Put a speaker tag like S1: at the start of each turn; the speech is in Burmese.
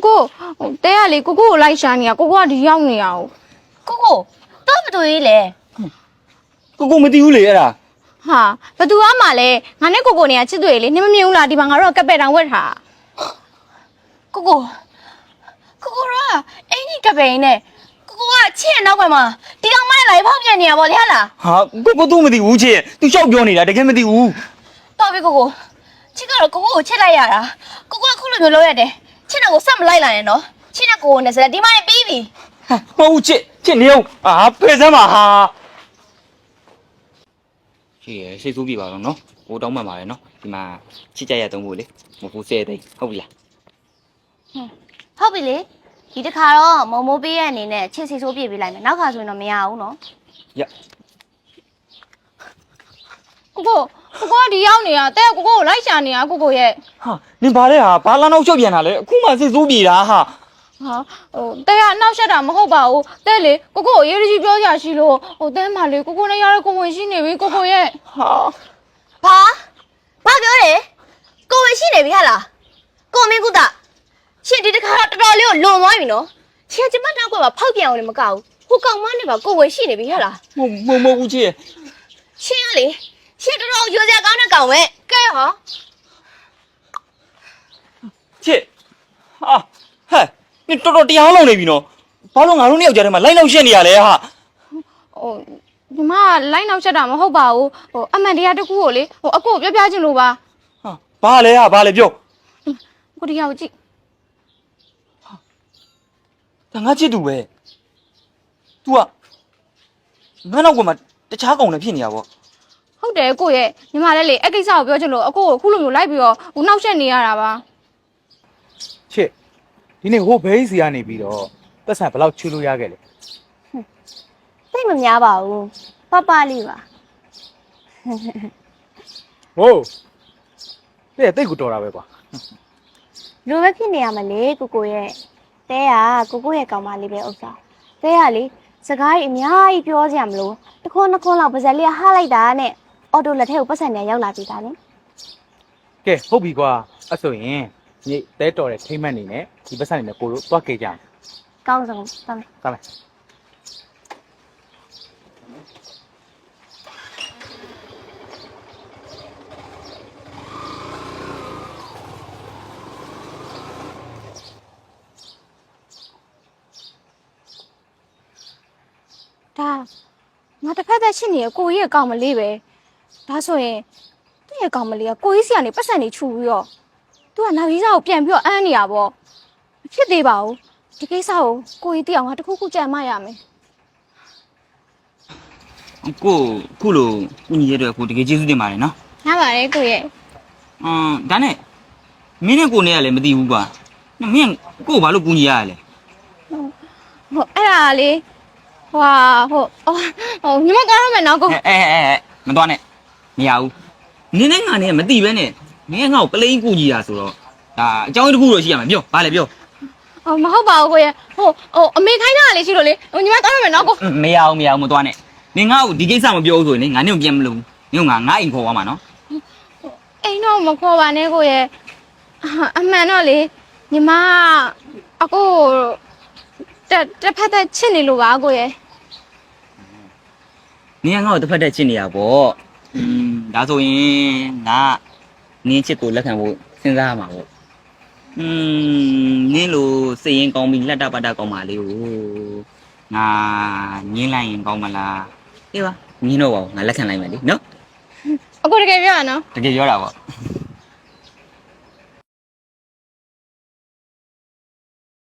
S1: ကိုတဲရလေကိုကိုကိုလိုက်ရှာနေရကိုကိုကဒီရောက်နေရအောင်
S2: ကိုတော့မတွေ့ရေးလေ
S3: ကိုမသိဘူးလေအဲ့ဒါ
S1: ဟာဘသူကမှလဲငါနဲ့ကိုကိုနေရချစ်တွေ့လေနင်မမြင်ဘူးလားဒီမှာငါတို့ကကပ်ပက်တောင်ဝက်ထား
S2: ကိုရောအင်းကြီးကပိန်နဲ့ကိုကချစ်ရနောက်ပိုင်းမှာဒီကောင်မနဲ့လိုက်ဖောက်ပြန်နေရပါလေဟလား
S3: ဟာကိုသူမသိဘူးချစ်သူရှောက်ပြောနေတာတကယ်မသိဘူး
S2: တော်ပြီကိုချစ်ကတော့ကိုချစ်လိုက်ရတာကိုကခုလိုမျိုးလုပ်ရတယ်ချစ်တဲ့ကိုစက်မလိုက်လာနဲ့နော်ချစ်တဲ့ကိုနဲ့စတဲ့ဒီမနဲ့ပြီးပြီ
S3: ဟာမဟုတ်ချစ်နေအောင်ဖယ်စမ်းပါဟာရှေ့ရစိတ်ဆိုးပြပါတော့နော်ဟိုတောင်းမှန်ပါတယ်နော်ဒီမှာချစ်ကြရတုံးဖို့လေမဟုတ်ဘူး10သိန်းဟုတ်ပြီလား
S2: ဟုတ်ပြီလေဒီတစ်ခါတော့မုံမိုးပေးရဲ့အနေနဲ့ချစ်စီဆိုးပြစ်ပေးလိုက်မယ်နောက်ခါဆိုရင်တော့မရဘူးနော်
S3: ရ
S1: ကိုကဒီရောက်နေရတဲကိုကိုလိုက်ရှာနေရကိုကိုရဲ့
S3: ဟာနင်ဘာလဲဟာဘာလာနောက်ရှော့ပြန်တာလဲအခုမှစိတ်ဆိုးပြေတာဟာ
S1: ဟာတဲကအနောက်ရှက်တာမဟုတ်ပါဘူးတဲလေကိုကိုရေးကြီးပြောကြရှိလို့တဲမှလေကိုကိုနဲ့ရတဲ့ကိုဝင်ရှိနေပြီကိုကိုရဲ့
S3: ဟာ
S2: ဘာပြောတယ်ကိုဝင်ရှိနေပြီဟလားကိုမင်းကုသရှင်ဒီတစ်ခါတော့တော်တော်လေးကိုလွန်သွားပြီနော်ရှင်ကျမတောက်ကပါဖောက်ပြန်အောင်လည်းမကောက်ဘူးဟိုကောင်မနဲ့ပါကိုဝင်ရှိနေပြီဟလား
S3: မဟုတ်ဘူးချစ်
S2: ရှင်ကလေရှင်တော်တော်ရိုးစရာကောင်းတဲ့ကောင်ပဲကဲဟော
S3: ချစ်ဟာဟဲ့နင်တော်တော်တရားလုံးနေပြီနော်ဘာလို့ငါတို့နှစ်ယောက်ကြားထဲမှာလိုက်လောက်ရှက်နေရလဲဟာ
S1: ဒီမှာလိုက်နောက်ရှက်တာမဟုတ်ပါဘူးအမှန်တရားတစ်ခုကိုလေအကိုပြောပြချင်လို့ပါ
S3: ဟာဘာလဲဟာဘာလဲပြော
S1: ကိုဒီရောက်ကြည့်
S3: ဒါငါချစ်သူပဲ तू ကငါနောက်ကမှတခြားကောင်နဲ့ဖြစ်နေရပေါ့
S1: ဟုတ်တယ်ကိုရဲ့ညီမလည်းလေအကိစ္စကိုပြောချင်လို့အကိုကိုခုလိုမျိုးလိုက်ပြီးတော့နှောက်ရှက်နေရတာပါ
S4: ချစ်ဒီနေ့ဟိုဘဲစီကနေပြီးတော့တက်ဆန်ဘယ်လောက်ချူလို့ရခဲ့လဲ
S2: သိမများပါဘူးပပလေးပါ
S4: ဟိုတဲ့တိတ်ကိုတော်တာပဲကွာ
S2: လိုပဲဖြစ်နေရမလဲကိုရဲ့တဲကကိုရဲ့ကောင်မလေးပဲဥစ္စာတဲကလေစကားကြီးအများကြီးပြောစရာမလိုတစ်ခွန်းနှစ်ခွန်းလောက်ပါဇက်လေးဟားလိုက်တာနဲ့အော်တိုလက်ထဲကိုပတ်စံနဲ့ရောက်လာပြီဒါလေ
S4: ကဲဟုတ်ပြီကွာအဲ့ဆိုရင်ညတဲတော်တဲ့ထိမ့်မှတ်နေနဲ့ဒီပတ်စံနေနဲ့ကိုတို့တွားခဲ့ကြအောင်
S2: ကောင်းဆုံးတမ်း
S4: သွားမယ်
S1: ဒါငါတစ်ဖက်သက်ရှင်းနေရကိုကြီးရဲ့ကောင်မလေးပဲဒါဆိုရင်သူ့ရဲ့ကောင်မလေးကကိုကြီးစီကနေပတ်စံနေချူပြီးတော့သူကနောက်ကြီးစားကိုပြန်ပြီးတော့အမ်းနေရပေါ့မဖြစ်သေးပါဘူးဒီကိစ္စကိုကြီးသိအောင်ငါတစ်ခုခုကြံမရမယ်
S3: ကိုခုလိုကုညီရတဲ့ကိုတကယ်ကျေးဇူးတင်ပါတယ်နော်
S1: ရပါတယ်ကိုရဲ့
S3: ဒါနဲ့မင်းနဲ့ကိုနဲ့ကလည်းမသိဘူးကွာမင်းကိုဘာလို့ကုညီရရလဲ
S1: အဲ့ဒါလေဟိုညီမသွားရမယ်နော်ကို
S3: မတော်နဲ့မရဘူးနင်းနဲ့ငါနဲ့မသိပဲနဲ့မင်းငါ့ကိုပလိန်ကုညီရဆိုတော့ဒါအကြောင်းတစ်ခုတော့ရှိရမှာပြောဘာလဲပြော
S1: မဟုတ်ပါဘူးကိုရဲ့အမေခိုင်းတာလေးရှိလို့လေညီမသွားရမယ်နော်ကို
S3: မရဘူးမတော်နဲ့နင်ငါ့ကိုဒီကိစ္စမပြောဘူးဆိုရင်ငါနဲ့ပြန်မလို့နင်ကငါအိမ်ခေါ်သွားမှာနော်
S1: အိမ်တော့မခေါ်ပါနဲ့ကိုရဲ့အမှန်တော့လေညီမအကိုတစ်ဖက်သက်ချစ်နေလို့ပါကိုရဲ့
S3: နင်ကငါ့ကိုတစ်ဖက်တည်းချစ်နေရပေါ့ဒါဆိုရင်ငါနင်းချစ်ကိုလက်ခံဖို့စဉ်းစားရမှာပေါ့နင်းလိုစိတ်ရင်ကောင်းပြီးလက်တပတ်တကောင်းပါလေကိုငါညင်းလိုက်ရင်ကောင်းမလားအေးပါညင်းတော့ပါငါလက်ခံလိုက်မယ်လေနော်
S1: အကိုတကယ်ပြောရနော်
S3: တကယ်ပြောတာပေါ့